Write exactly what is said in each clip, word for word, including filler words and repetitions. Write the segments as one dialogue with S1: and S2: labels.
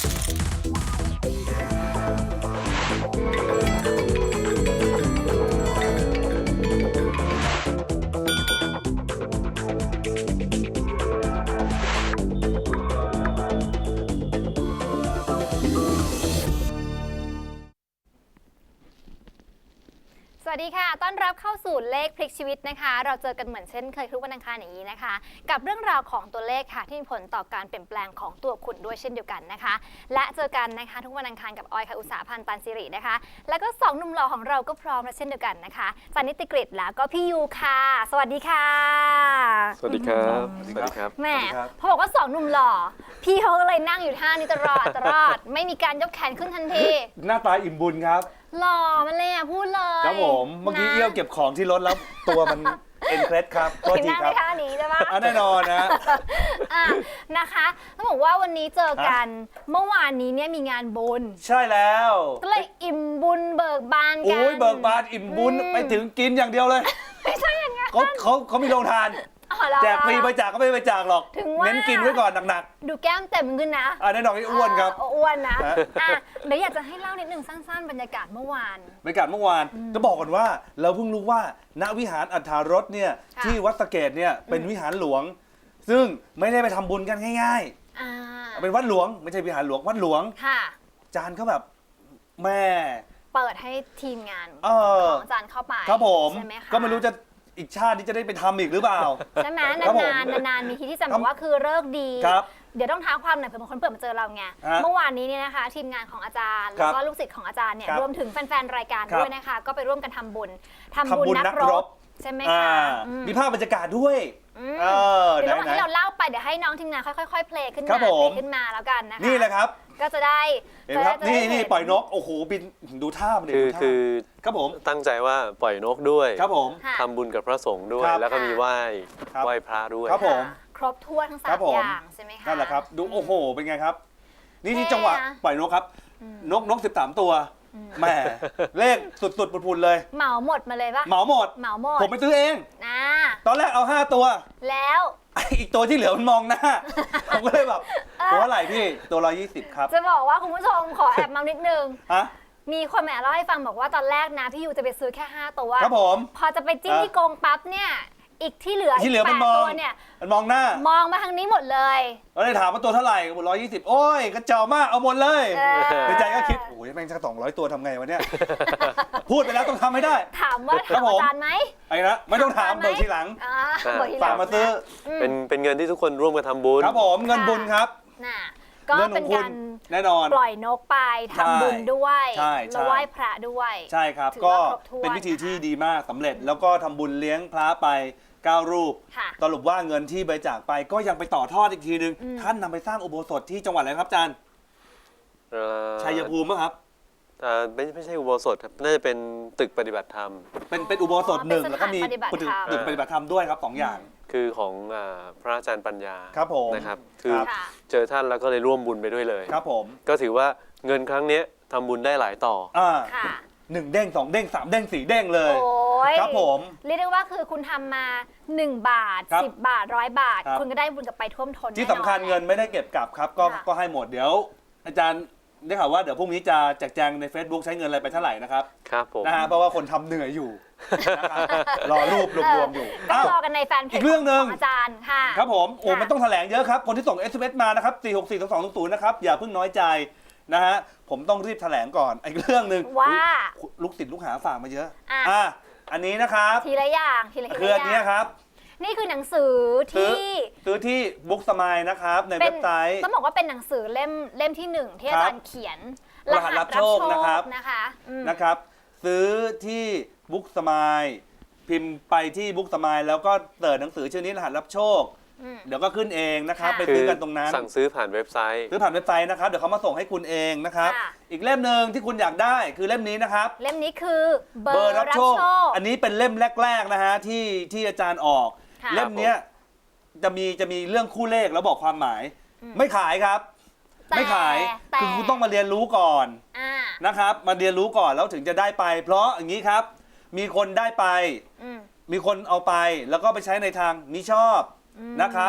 S1: สวัสดีค่ะต้อนรับเข้าสู่เลขพลิกชีวิตนะคะเราเจอกันเหมือนเช่นเคยทุกวันอังคารอย่างนี้นะคะกับเรื่องราวของตัวเลขค่ะที่มีผลต่อการเปลี่ยนแปลงของตัวคุณด้วยเช่นเดียวกันนะคะและเจอกันนะคะทุกวันอังคารกับออยค่ะอุตสาหพันธ์ตันสิรินะคะแล้วก็สองหนุ่มหล่อของเราก็พร้อมแล้วเช่นเดียวกันนะคะจานิติกฤษแล้วก็พี่ยูค่ะสวัสดีค่ะ
S2: สวัสดีครับสวัสดีครับ
S1: แหมพอบอกว่าสองหนุ่มหล่อพี่เขาก็เลยนั่งอยู่ท่านี้ตลอดตลอดไม่มีการยกแขนขึ้นทันที
S3: หน้าตาอิ่มบุญครับ
S1: หล่อมันเลยอ่ะพูดเลย
S3: ครับผมเมื่อกี้เอี้ยวเก็บของที่รถแล้วตัวมันเอ็นเครสครับ
S1: โทษทีครับท่านี้ใช่ปะ
S3: แน่นอนนะ
S1: นะคะต้องบอกว่าวันนี้เจอกันเมื่อวานนี้เนี่ยมีงานบุญ
S3: ใช่แล้ว
S1: ก็เลยอิ่มบุญเบิกบานกัน
S3: โอ้ยเบิกบานอิ่มบุญไปถึงกินอย่างเดียวเลย
S1: ไม่ใช่อย่างงั้น
S3: เขาเขาเขามีโรงทานแจกฟรีไปจากก็ไม่ไปจากหรอกเน้นกินไว้ก่อนหนัก
S1: ๆดูแก้มเต็มขึ้นนะ
S3: อ่าแน่นอนที่อ้วนครับ
S1: อ้วนนะอ่ะเดี๋ยวอยากจะให้เล่านิดนึงสั้นๆบรรยากาศเมื่อวาน
S3: บรรยากาศเมื่อวานจะบอกก่อนว่าเราเพิ่งรู้ว่าณวิหารอัฏฐารสเนี่ยที่วัดสะเกษเนี่ยเป็นวิหารหลวงซึ่งไม่ได้ไปทำบุญกันง่ายๆเป็นวัดหลวงไม่ใช่วิหารหลวงวัดหลวงจานเขาแบบแม่
S1: เปิดให้ทีมงานของอาจารย์เข้าไป
S3: ครับผมก็ไม่รู้จะอีกชาตินี้จะได้ไปทำอีกหรือเปล่า
S1: ใช่ไหมนานๆนานๆมีทีที่จะบอกว่าคือเลิกดีเดี๋ยวต้องท้าความหน่อยเผื่อบางคนเปิดมาเจอเราไงเมื่อวานนี้เนี่ยนะคะทีมงานของอาจารย์แล้วก็ลูกศิษย์ของอาจารย์เนี่ยรวมถึงแฟนๆรายการด้วยนะคะก็ไปร่วมกันทำบุญทำบุญนักรบใช่ไหมคะ
S3: มีภาพบรรยากาศด้วย
S1: เดี๋ยวให้เราเล่าไปเดี๋ยวให้น้องทีมงานค่อยๆเพลย์ขึ้นมาเพลย์ขึ้นมาแล้วกันนะคะ
S3: นี่แหละครับ
S1: ก็จะได้
S3: เห็นครับนี่นี่ปล่อยนกโอ้โหบินดูท่ามัน
S2: คือคือ
S3: ครับผม
S2: ตั้งใจว่าปล่อยนกด้วย
S3: ครับผม
S2: ทำบุญกับพระสงฆ์ด้วยแล้วก็มีไหว้ไหว้พระด้วย
S3: ครับผม
S1: ครบถ้วนทั้งสามอย่างใช่ไหมคะ
S3: นั่นแหละครับดูโอ้โหเป็นไงครับนี่ที่จังหวะปล่อยนกครับนกนกสิบสามตัวแหมเลขสุดๆปุดๆเลย
S1: เหมาหมดมาเลยปะ
S3: เหมาหมด
S1: เหมาหมด
S3: ผมไปซื้อเอง
S1: นะ
S3: ตอนแรกเอาห้าตัว
S1: แล้ว
S3: อีกตัวที่เหลือมันมองหน้าผมก็เลยแบบตัวเท่าไหร่พี่ตัวร้อยยี่สิบครับ
S1: จะบอกว่าคุณผู้ชมขอแอบมานิดนึง
S3: ฮะ
S1: มีคนแหมเล่าให้ฟังบอกว่าตอนแรกนะพี่ยูจะไปซื้อแค่ห้าตัว
S3: ครับผม
S1: พอจะไปจิ้มที่โกงปั๊บเนี่ยอีกที่เหลือ
S3: ที่เหลือมันมอง
S1: เนี่ย
S3: มันมองหน้าม
S1: องมาทางนี้หมดเลย
S3: เราเลยถามว่าตัวเท่าไหร่ก็บอกร้อยยี่สิบโอ้ยกระเจ้ามากเอาหมดเลยในใจก็คิดโอ้ยแม่งสักสองร้อยตัวทำไงวะเนี่ยพูดไปแล้วต้องทำให้ได้
S1: ถามว่าถามอาจารย์ไหม
S3: ไอ้นะไม่ต้องถามเบิกทีหลังฝากมาซื้อ
S2: เป็นเป็นเงินที่ทุกคนร่วมกันทำบุญ
S3: ครับผมเงินบุญครับ
S1: น่ะก็เป็นการ
S3: แน่นอน
S1: ปล่อยนกไปทำบุญด้วยแล้วไหว้พระด้วย
S3: ใช่ครับก็เป็นพิธีที่ดีมากสำเร็จแล้วก็ทำบุญเลี้ยงพระไปเก้ารูปสรุปว่าเงินที่บริจาคไปก็ยังไปต่อทอดอีกทีนึงท่านนำไปสร้างอุโบสถที่จังหวัดอะไรครับอาจารย์ชัยภูมิมั้งครับ
S2: ไม่ไม่ใช่อุโบสถครับน่าจะเป็นตึกปฏิบัติธรรม
S3: เป็นเป็นอุโบสถหนึ่งแล้วก็มีตึกปฏิบัติธรรมด้วยครับสองอย่าง
S2: คือของพระอาจารย์ปัญญา
S3: ครับผม
S2: นะครับคือเจอท่านแล้วก็เลยร่วมบุญไปด้วยเลย
S3: ครับผม
S2: ก็ถือว่าเงินครั้งนี้ทำบุญได้หลายต่อ
S3: อ่าหนึ่งเด้งสองเด้งสามเด้งสี่เด้งเลยครับผม
S1: เรียกได้ว่าคือคุณทำมาหนึ่งบาทสิบบาทร้อยบาทคุณก็ได้บุญกลับไปท่วมท้น
S3: ที่สำคัญเงินไม่ได้เก็บกลับครับก็ก็ให้หมดเดี๋ยวอาจารย์ได้ข่าวว่าเดี๋ยวพรุ่งนี้จะแจกแจงใน Facebook ใช้เงินอะไรไปเท่าไหร่นะครับ
S2: ครับผม
S3: นะฮะเพราะว่าคนทำเหนื่อยอยู่รอรูปรวมๆอยู่
S1: ก็รอกันในแฟนเพจของอาจารย์ค่ะ
S3: ครับผมโอ้มันต้องแถลงเยอะครับคนที่ส่ง เอส เอ็ม เอส มานะครับสี่หกสี่สองสองศูนย์นะครับอย่าเพิ่งน้อยใจนะฮะผมต้องรีบแถลงก่อนอีกเรื่องหนึ่ง
S1: ว่า
S3: ลูกศิษย์ลูกหาฝากมาเยอะอ่ะอันนี้นะครับ
S1: ทีละอย่างทีละอย่าง
S3: คืออันนี้ครับ
S1: นี่คือหนังสือที่
S3: ซื้อที่บุ๊กสมายนะครับในเว็บไซต์
S1: ต้องบอกว่าเป็นหนังสือเล่มเล่มที่หนึ่งที่อาจารย์เขียน
S3: รหัสรับโชคนะครับ
S1: นะคะ
S3: นะครับซื้อที่บุ๊กสมายพิมพ์ไปที่บุ๊กสมายแล้วก็เปิดหนังสือชื่อนี้รหัสรับโชคเดี๋ยวก็ขึ้นเองนะครับไปซื้อกันตรงนั้น
S2: สั่งซื้อผ่านเว็บไซต์
S3: ซื้อผ่านเว็บไซต์นะครับเดี๋ยวเขามาส่งให้คุณเองนะครับอีกเล่มหนึ่งที่คุณอยากได้คือเล่มนี้นะครับ
S1: เล่มนี้คือเบอร์รับโชค
S3: อันนี้เป็นเล่มแรกๆนะฮะที่ที่อาจารย์ออกเล่มนี้จะมีจะมีเรื่องคู่เลขแล้วบอกความหมายไม่ขายครับไม่ขายคือคุณต้องมาเรียนรู้ก่อนนะครับมาเรียนรู้ก่อนแล้วถึงจะได้ไปเพราะอย่างนี้ครับมีคนได้ไปมีคนเอาไปแล้วก็ไปใช้ในทางมิชอบนะครับ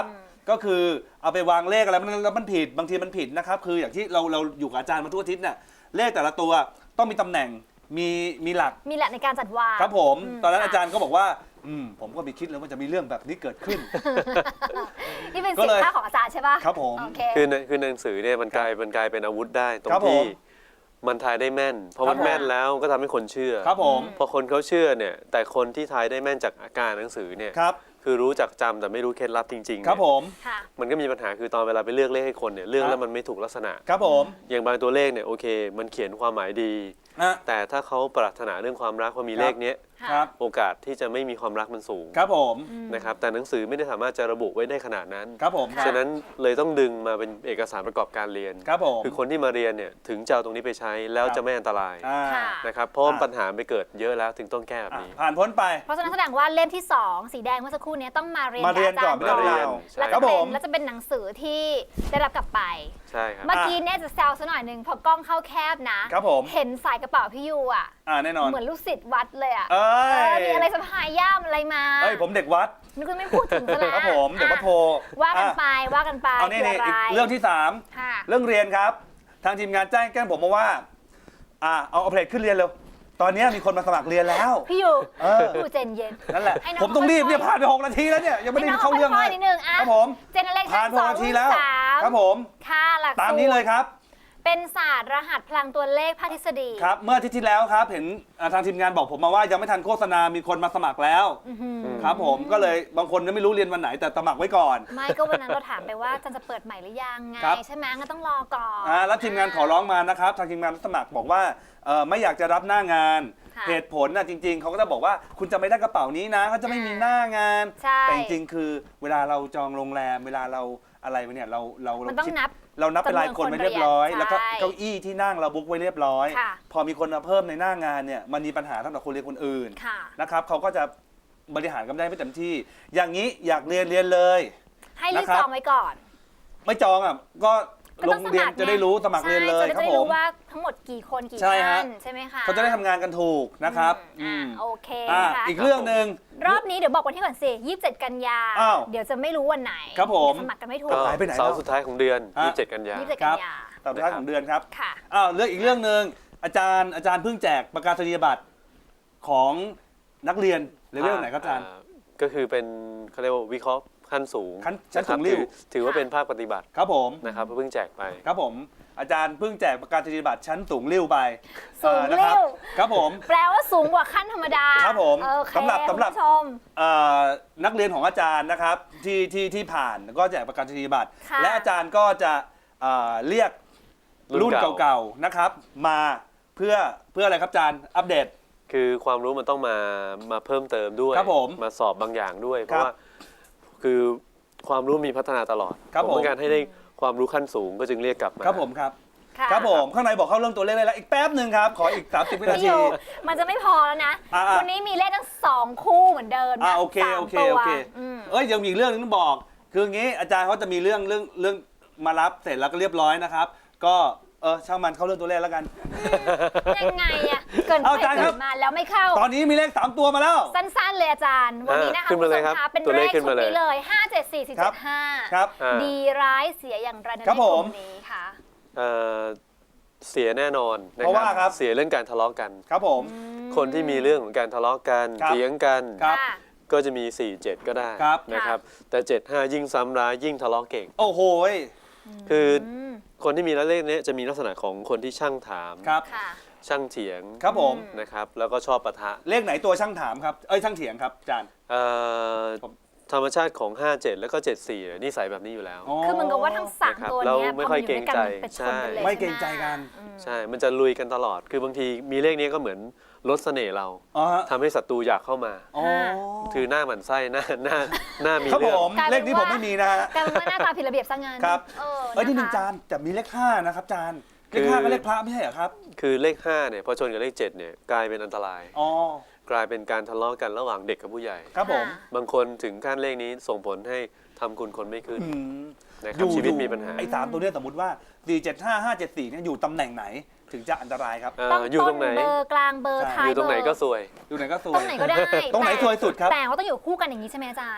S3: ก็คือเอาไปวางเลขอะไรมันแล้วมันผิดบางทีมันผิดนะครับคืออย่างที่เราเราอยู่กับอาจารย์มาทุกอาทิตย์เนี่ยเลขแต่ละตัวต้องมีตำแหน่งมีมีหลัก
S1: มีแหละในการจัดวาง
S3: ครับผม
S1: อืม
S3: ตอนนั้น
S1: ค่ะ
S3: อาจารย์ก็บอกว่าอืมผมก็ไม่คิดเลยว่าจะมีเรื่องแบบนี้เกิดขึ้น
S1: นี่เป็น
S3: ก็
S1: สิ่
S3: เลย
S1: งท่าของอาจารย์ใช่ปะ
S3: ครับผม
S1: โอเค
S2: คือในคือในหนังสือเนี่ยมันกลายมันกลายเป็นอาวุธได้ตรง
S3: ครับผม
S2: ที่มันทายได้แม่นพอมัน
S3: ครับผม
S2: แม่นแล้วก็ทำให้คนเชื่อ
S3: ครับผม
S2: พอคนเขาเชื่อเนี่ยแต่คนที่ทายได้แม่นจากอาการหนังสือเนี่ย
S3: ครับ
S2: คือรู้จักจำแต่ไม่รู้เคล็ดลับจริงๆ
S3: ครับ
S2: เนี่ย
S3: ผม
S1: ค่ะ
S2: มันก็มีปัญหาคือตอนเวลาไปเลือกเลขให้คนเนี่ยเลือก
S3: ครับ
S2: แล้วมันไม่ถูกลักษณะ
S3: ครับผม
S2: อย่างบางตัวเลขเนี่ยโอเค มันเขียนความหมายดี
S3: ฮะ
S2: แต่ถ้าเขาปรารถนาเรื่องความรักพอมี
S3: ครับ
S2: เลขเนี้ย
S1: ค่ะ
S3: ครับ
S2: โอกาสที่จะไม่มีความรักมันสูง
S3: ครับผม
S1: อืม
S2: นะครับแต่หนังสือไม่ได้สามารถจะระบุไว้ได้ขนาดนั้น
S3: ครับผม
S1: ค่ะ
S2: ฉะนั้นเลยต้องดึงมาเป็นเอกสารประกอบการเรียน
S3: ครับผม
S2: คือคนที่มาเรียนเนี่ยถึงจะเอาตรงนี้ไปใช้แล้ว
S3: ครับ
S2: จะไม่อันตราย
S3: อ่า
S1: ค่ะ
S2: นะครับเพราะว่า
S3: อ่า
S2: ปัญหาไปเกิดเยอะแล้วถึงต้องแก้แบบ
S3: อ่ะ
S2: นี้
S3: ผ่านพ้นไป
S1: เพราะฉะนั้นแสดงว่าเล่มที่ สอง สีแดงเมื่อสักครู่เนี้ต้องมาเรียน
S3: มาเรียน
S1: บอาจาร
S3: ก่อน
S1: ย์
S3: ไม่ได้
S1: ก่อน
S3: เรียน
S2: ใช่
S1: แล้ว
S3: ครั
S1: จะ
S3: บ
S1: เป็
S3: ผ
S1: น
S3: ม
S1: แล้วจะเป็นหนังสือที่ได้รับกลับไป
S2: ใช่ครับ
S1: เมื่อกี้เนี่ยจะแซวซะหน่อยหนึงพอกล้องเข้าแคบนะ
S3: ครับผม
S1: เห็นสายกระเป๋าพี่ยูอ่ะ
S3: อ่าแน่นอน
S1: เหมือนลูกศิษย์วัดเลยอ่ะ
S3: เอ้
S1: เออย มีอะไรสะพายย่ามอะไรมา
S3: เอ้ยผมเด็กวัด
S1: นึกว่าไม่พูดถึงซะแล้ว
S3: ครับผมเด็กวัดโพ
S1: ว่ากัน
S3: อ่ะ
S1: ไปว่ากันไป
S3: เอานี่
S1: คือ
S3: นี่
S1: อะไร
S3: อีกเรื่องที่สาม
S1: ค่ะ
S3: เรื่องเรียนครับ ทางทีมงานแจ้งแกล้งผมมาว่าอ่าเอาเอาเพลทขึ้นเรียนเร็วตอนนี้มีคนมาสมัครเรียนแล้ว
S1: พี่ยู
S3: เออ
S1: พี่ยูเจนเย็น
S3: นั่นแหละ
S1: ให้น้อง
S3: ผมต้องรีบเนี่ย
S1: ค่อยๆ
S3: ผ่านไปหกนาทีแล้วเนี่ยยังไม่ได้เข้าเรื่อง
S1: ให้
S3: เล
S1: น้
S3: ย
S1: ค่อยๆนิดนึงอ่ะ
S3: ครับผม
S1: เจเนเรชั่
S3: ผ่าน
S1: น
S3: ห
S1: ส
S3: ก
S1: อง
S3: นาทีแล้ว
S1: สาม
S3: ครับผม
S1: ค่ะหลักสูตร
S3: ตามนี้เลยครับ
S1: เป็นศาสตร์รหัสพลังตัวเลขภาคทฤษฎี
S3: ครับเมื่ออาทิตย์ที่แล้วครับเห็นอ่าทางทีมงานบอกผมมาว่ายังไม่ทันโฆษณามีคนมาสมัครแล้ว
S1: อื้อหือ
S3: ครับผมก็เลยบางคนยังไม่รู้เรียนวันไหนแต่สมัครไว้ก่อน
S1: ไม่ก็วันนั้นเราถามไปว่าจันจะเปิดใหม่หรือยังไง
S3: ครับ
S1: ใช่ไหมงั้นต้องรอก่อน
S3: อ่าแล้วทีมงานขอร้องมานะครับทางทีมงานรับสมัครบอกว่าเอ่อไม่อยากจะรับหน้างาน
S1: ค่ะ
S3: เหตุผลนะจริง ๆเขาก็จะบอกว่าคุณจะไม่ได้กระเป๋านี้นะเขาจะไม่มีหน้างาน
S1: ใช่
S3: แต่จริงๆคือเวลาเราจองโรงแรมเวลาเราอะไรไว้เนี่ยเราเรา
S1: มั
S3: เรา
S1: นต้อง
S3: คิด
S1: นับ
S3: เรานับเป็นรายคนไว้เรียบร้อย
S1: จำนวนคนเรียน
S3: แล้วก็
S1: ใช่
S3: เก้าอี้ที่นั่งเราบุ๊กไว้เรียบร้อย
S1: ค่ะ
S3: พอมีคนมาเพิ่มในหน้างานเนี่ยมันมีปัญหาสำหรับคนเรียนคนอื่น
S1: ค่ะ
S3: นะครับเขาก็จะบริหารกันได้ไม่เต็มที่ อย่างนี้อยากเรียนเรียนเลย
S1: ให้รีบ
S3: นะครับ
S1: จองไว้ก่อน
S3: ไม่จองอ่ะก็
S1: ก็
S3: ล
S1: ต้อง
S3: งเรียน
S1: สมัคร
S3: จะได้รู้สมัครเรียนเลย
S1: ใช่
S3: ครับ
S1: จะได้
S3: ผม
S1: รู้ว่าทั้งหมดกี่คนกี่
S3: ใช่ฮะ
S1: ท่านใช่ไหมคะ
S3: เขาจะได้ทำงานกันถูกนะครับ
S1: อืม
S3: อืม
S1: อ่าโอเค
S3: อ่ะ
S1: นะคะ
S3: อีกเรื่องหนึ่ง
S1: รอบนี้เดี๋ยวบอกวันที่ก่อนสิยี่สิบเจ็ดกันยา
S3: อ้าว
S1: เดี๋ยวจะไม่รู้วันไหน
S3: ครับผม
S1: เดี๋ยวสมัครกันไม่ถูก
S2: ก็
S3: หายไปไหนแล้ว
S2: เสาร์สุดท้ายของเดือน
S3: ฮะ
S2: ยี่สิบเจ็ดกันยา
S1: ยี่สิบเจ็ด
S3: ค
S1: กั
S3: รั
S1: น
S3: บ
S1: ยา
S3: ตอนท้ายของเดือนครับ
S1: ค่ะ
S3: อ้าวเรื่องอีกเรื่องหนึ่งอาจารย์อาจารย์เพิ่งแจกประกาศนียบัตรของนักเรียนเลเวลไหนครับอาจารย์
S2: ก็คือเป็นเขาเรียกว่าวิเคราะห์ขั้นสูง
S3: ขั้นชั้นสูง
S2: ะครับ
S3: ริ้ว
S2: ถือถือว่าเป็นภาคปฏิบัติ
S3: ครับผม
S2: นะครับเพิ่งแจกไป
S3: ครับผมอาจารย์เพิ่งแจกประกาศนียบัตรชั้นสูงริ้วไป
S1: สูง
S3: เอ่อนะค
S1: ริ้
S3: บ
S1: ว
S3: ครับผม
S1: แปลว่าสูงกว่าขั้นธรรมดา
S3: ครับผม
S1: โอเค
S3: สำหรับสำหรับ
S1: คุณผู้ชม
S3: เอ่อนักเรียนของอาจารย์นะครับที่ที่ที่ผ่านก็แจกประกาศนียบัตร
S1: ค่ะ
S3: และอาจารย์ก็จะเอ่อเรียก
S2: รุ่
S3: รุ่น
S2: นเก่า
S3: เก่าๆนะครับมาเพื่อเพื่ออะไรครับอาจารย์อัปเดต
S2: คือความรู้มันต้องมามาเพิ่มเติมด้วย
S3: ครับผม
S2: มาสอบบางอย่างด้วย เพ
S3: ครั
S2: ราะ
S3: บ
S2: ว่าคือความรู้มีพัฒนาตลอด
S3: ครับ
S2: ผม
S3: ผม
S2: ต้องการให้ได้ความรู้ขั้นสูงก็จึงเรียกกลับมา
S3: ครับผมครับ
S1: ค่ะ
S3: ครับผมข้างในบอกเข้าเรื่องตัวเลขได้แล้วอีกแป๊บหนึ่งครับขออีกสามสิบวินา
S1: พี่
S3: ที
S1: ยูมันจะไม่พอแล้วนะ
S3: อ่ะๆ
S1: วันนี้มีเลขทั้งสองคู่เหมือนเดิม
S3: อ่า
S1: นะ
S3: โอเค
S1: สาม
S3: โอเค
S1: ตัว
S3: โอเค
S1: อืม
S3: เอ้ยยังมีอีกเรื่องนึงต้องบอก คืออย่างงี้อาจารย์เขาจะมีเรื่องเรื่องเรื่องมารับเสร็จแล้วก็เรียบร้อยนะครับ ก็เออช่างมันเข้าเรื่องตัวเลขแล้วกัน
S1: ยังไงอะเกิน
S3: เอา
S1: ไป
S3: อาจารย์ครั
S1: เกิ
S3: บ
S1: นมาแล้วไม่เข้า
S3: ตอนนี้มีเลขสามตัวมาแล้ว
S1: สั้นๆเลยอาจารย์ วันนี้นะคะ
S2: อ่าขึ้นมาเลย
S1: ณผู้ช
S2: ครับ
S1: เป็น
S2: ตัว
S1: เล
S2: เล
S1: ข
S2: ขขึ้น
S1: ชุด
S2: มาเลย
S1: นี้เลยห้าเจ็ดสี่สี่เจ็ดห้า
S3: ครับ
S2: อ่า
S1: ดีร้ายเสียอย่างไรใน
S3: ครับ
S1: ก
S3: ผ
S1: ลุ่
S3: ม
S1: มนี้ค่ะ
S2: เอ่อเสียแน่นอนน
S3: เพราะว่าครับ
S2: เสียเรื่องการทะเลาะกัน
S3: ครับผม
S2: คนที่มีเรื่องของการทะเลาะกัน
S3: ครับ
S2: เถียงกัน
S3: ครับ
S1: ค่ะ
S2: ก็จะมี สี่ เจ็ด ก็ได้
S3: ครับ
S2: นะครับแต่เจ็ด ห้า ยิ่งซ้ำร้ายยิ่งทะเลาะเก่ง
S3: โอ้โหย
S2: คืออ
S1: ม
S2: คนที่มีเลขนี้จะมีลักษณะของคนที่ช่างถาม
S3: ครับ
S1: ค่ะ
S2: ช่างเถียง
S3: ครับผม
S1: อืม
S2: นะครับแล้วก็ชอบปะทะ
S3: เลขไหนตัวช่างถามครับ เอ้ยช่างเถียงครับอาจารย์
S2: เอ่อ
S3: ผม
S2: ธรรมชาติของ ห้า เจ็ด แล้วก็ เจ็ด สี่เนี่ยนิสัยแบบนี้อยู่แล้ว
S1: คือเหมันกับว่าทั้งสาม
S2: นะครับ
S1: ตัว
S2: เรา
S1: เนี้ย
S2: ไม่
S1: พอ
S2: ค่
S1: มั
S2: อย
S1: นอยู่ด้วยกัน
S2: เกรงใจ
S1: มันเป็นชนกันเลย
S3: ไม่เกรงใจกัน
S1: อืม
S2: ใช่ มันจะลุยกันตลอด คือบางทีมีเลขนี้ก็เหมือนลดเสน่ห์เรา
S3: อ๋อฮะ
S2: ทำให้ศัตรูอยากเข้ามา
S3: อ๋อ
S2: คือหน้าหมันไส้หน้าหน้าหน้ามี
S3: ครับ
S2: เรื่
S3: ผ
S2: อง
S3: ม
S1: กลายเป็น
S3: เลขนี้ผมไม่มีนะฮะ
S1: กลายเป็นว่าหน้าตาผิดระเบียบซะงั้น
S3: ครับ
S1: เออ
S3: เอ้ยนี่หนึ่ง
S1: ะคะ
S3: จานแต่มีเลขห้านะครับอาจารย์เล
S2: คือ
S3: ขห้าก็เลขพระไม่ใช่เหรอครับ
S2: คือเลขห้าเนี่ยพอชนกับเลขเจ็ดเนี่ยกลายเป็นอันตราย
S3: อ๋อ
S2: กลายเป็นการทะเลาะกันระหว่างเด็กกับผู้ใหญ่
S3: ครับผม
S2: บางคนถึงขั้นเลขนี้ส่งผลให้ทำคุณคนไม่ขึ้น
S3: อืม
S2: นะครับชีวิตมีปัญหา
S3: ไอ้สามตัวเนี้ยสมมติว่าสี่เจ็ดห้าห้าเจ็ดสี่เนี่ยอยู่ตำแหน่งไหนถึงจะอันตรายครับ
S2: เอ่อ
S1: ต้อง
S2: อยู่
S1: ต้
S2: ต
S1: น
S2: รงไหน
S1: เบอร์กลางเบอร์
S3: ใช่
S1: ท้า
S2: อย ยู่ตรงไหน
S1: เบ
S2: ก็
S1: อร์
S2: ซวย
S3: อยู่ไหนก็ส
S1: ต
S3: ว
S1: ร
S3: ย
S1: งไหนก็ได้
S3: ตรงไหน
S1: แต่
S3: ซวยสุดครับ
S1: แต่ว่าต้องอยู่คู่กันอย่างนี้ใช่ไหมอาจารย์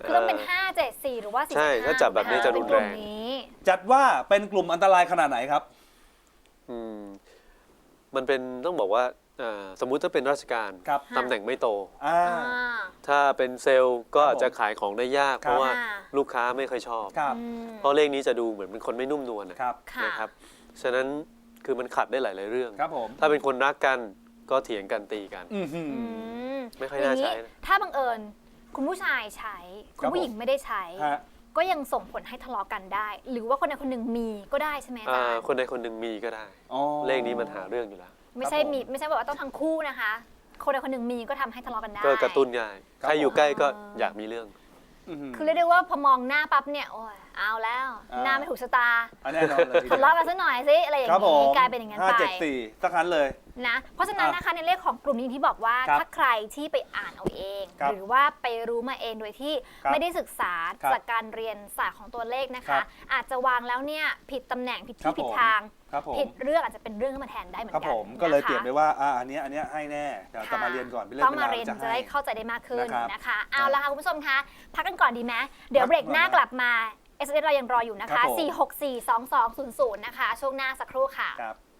S1: คือต้องเป็นห้า เจ็ด สี่หรือว่าสี่
S2: ใช่ถ้าจับแบบนี้จะรุนแรง
S1: นี้
S3: จัดว่าเป็นกลุ่มอันตรายขนาดไหนครับ
S2: อืมมันเป็นต้องบอกว่าอ่าสมมุติถ้าเป็นราชการ
S3: ครับ
S2: ตำแหน่งไม่โต
S3: อ่า
S1: อ่า
S2: ถ้าเป็นเซลล์ก็
S3: ครับ
S2: อาจจะขายของได้ยาก
S3: ครับ
S2: เพราะว่า
S1: อ่า
S2: ลูกค้าไม่ค่อยชอบ
S3: ครับ
S1: อืม
S2: เพราะเลขนี้จะดูเหมือนเป็นคนไม่นุ่มนวลนะครับ
S1: ค่ะ
S2: นะครับฉะนั้นคือมันขัดได้หลาย ๆ เรื่อง
S3: ครับผม
S2: ถ้าเป็นคนรักกันก็เถียงกันตีกัน
S3: อือหือ
S1: อืม
S2: ไม่ค่อยน่าใช้
S1: ง
S2: นะ
S1: ถ้าบังเอิญคุณผู้ชายใช้ คุณผู้หญิงไม่ได้ใช้
S3: ฮะ
S1: ก็ยังส่งผลให้ทะเลาะกันได้ หรือว่าคนใดคนหนึ่งมีก็ได้ใช่ไหมอาจาร
S2: อ่า
S1: ย์
S2: คนใดคนหนึ่งมีก็ได้
S3: อ๋อ
S2: เลขนี้มันหาเรื่องอยู่แล้ว
S1: ไม่ใช่
S3: ครับผม
S1: มีไม่ใช่แบบว่าต้องทั้งคู่นะคะ คนใดคนหนึ่งมีก็ทำให้ทะเลาะกันได้
S2: ก็กระตุ้นง่าย
S3: ครับ
S2: ใครอยู่ใกล้ก็
S1: อ๋อ
S2: อยากมีเรื่อง
S3: อื้อหือ
S1: คือเรียกได้ว่าพอมองหน้าปั๊บเนี่ยโอ้ยเอาแล้ว
S3: อ่า
S1: หน้าไม่ถูกชะตา
S3: อันแน่นอนเลยทีเดียว
S1: ทะเลาะกันสักหน่อยสิอะไรอย่าง
S3: ครับผ
S1: นี้
S3: ม
S1: กลายเป็นอย่างนั้น
S3: ห้า
S1: ไป
S3: เจ็ดสี่สักครั้นเลย
S1: นะเพราะฉะนั้น
S3: อ่ะ
S1: นะคะในเลขของกลุ่มนี้ที่บอกว่า
S3: ครับ
S1: ถ้าใครที่ไปอ่านเอาเอง
S3: ครับ
S1: หรือว่าไปรู้มาเองโดยที่
S3: ครับ
S1: ไม่ได้ศึกษา
S3: ครับ
S1: จากการเรียนศาสตร์ของตัวเลขนะ
S3: ครั
S1: คะ
S3: บ
S1: อาจจะวางแล้วเนี่ยผิดตำแหน่งผิด
S3: ครั
S1: ที่
S3: บ
S1: ผิด
S3: ผม
S1: ทาง
S3: ครับผม
S1: ผิดเรื่องอาจจะเป็นเรื่องขึ้นมาแทนได้เหมือน
S3: ครับ
S1: กั
S3: ผ
S1: น
S3: มก็เลย
S1: นะคะ
S3: เปลี่ยนไปว่าอ่าอันเนี้ยอันเนี้ยให้แน่แต่จะมาเรียนก่อนเป็นเรื่
S1: ต้
S3: อ
S1: อง ง
S3: เป็น
S1: มา
S3: รา
S1: เรียน
S3: วจะ
S1: จะได้
S3: ให้
S1: เข้าใจได้มากขึ้น
S3: นะครับ
S1: นะคะเอาละค่ะคุณผู้ชมคะพักกันก่อนดีไหมเดี๋ยวเบรกหน้ากลับมา เอส เอส เรายังรออยู่นะ
S3: ครั
S1: คะ
S3: บผม
S1: สี่ หก สี่ สอง สอง ศูนย์ ศูนย์ นะคะช่วงหน้าสักครู่ค่ะ
S3: ครับ